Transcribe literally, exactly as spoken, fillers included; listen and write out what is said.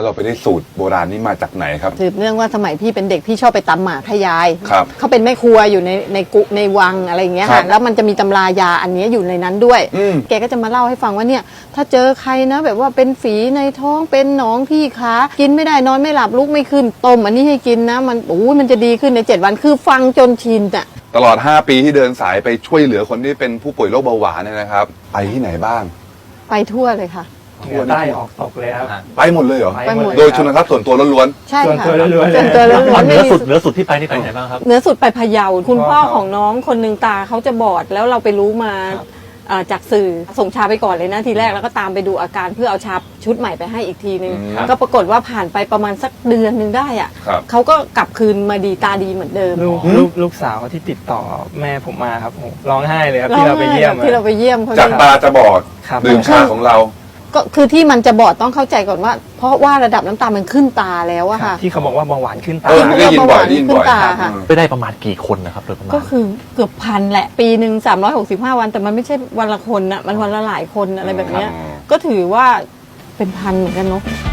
เราไปได้สูตรโบราณนี้มาจากไหนครับสืบเนื่องว่าสมัยพี่เป็นเด็กพี่ชอบไปตำหมากให้ยายครับเขาเป็นแม่ครัวอยู่ในในกุในวังอะไรอย่างเงี้ยค่ะแล้วมันจะมีตำรายาอันนี้อยู่ในนั้นด้วยแกก็จะมาเล่าให้ฟังว่าเนี่ยถ้าเจอใครนะแบบว่าเป็นฝีในท้องเป็นหนองที่ขากินไม่ได้นอนไม่หลับลุกไม่ขึ้นต้มอันนี้ให้กินนะมันโอ้ยมันจะดีขึ้นในเจ็ดวันคือฟังจนชินอะตลอดห้าปีที่เดินสายไปช่วยเหลือคนที่เป็นผู้ป่วยโรคเบาหวานเนี่ยนะครับไปที่ไหนบ้างไปทั่วเลยค่ะเหนือใต้ออกตกเลยครับไปหมดเลยเหรอไปหมดโดยชนทรัพย์ส่วนตัวล้วนๆใช่ค่ะส่วนตัวล้วนๆส่วนตัวล้วนๆเหนือสุดเหนือสุดที่ไปนี่ไปไหนบ้างครับเหนือสุดไปพะเยาคุณพ่อของน้องคนหนึ่งตาเขาจะบอดแล้วเราไปรู้มาจากสื่อส่งชาไปก่อนเลยนะทีแรกแล้วก็ตามไปดูอาการเพื่อเอาชาชุดใหม่ไปให้อีกทีนึงก็ปรากฏว่าผ่านไปประมาณสักเดือนนึงได้อ่ะเขาก็กลับคืนมาดีตาดีเหมือนเดิมลูกลูกลูกสาวที่ติดต่อแม่ผมมาครับร้องไห้เลยครับที่เราไปเยี่ยมที่เราไปเยี่ยมเขาจากตาจะบอดดื่มชาของเราก็คือที่มันจะบอดต้องเข้าใจก่อนว่าเพราะว่าระดับน้ำตาลมันขึ้นตาแล้วอะค่ะที่เขาบอกว่าเบาหวานขึ้นตาเออได้ยินบ่อยได้ยินบ่อยไปได้ประมาณกี่คนนะครับโดยประมาณก็คือเกือบพันแหละปีหนึ่งสามร้อยหกสิบห้าวันแต่มันไม่ใช่วันละคนนะมันวันละหลายคนอะไรแบบเนี้ยก็ถือว่าเป็นพันเหมือนกันเนาะ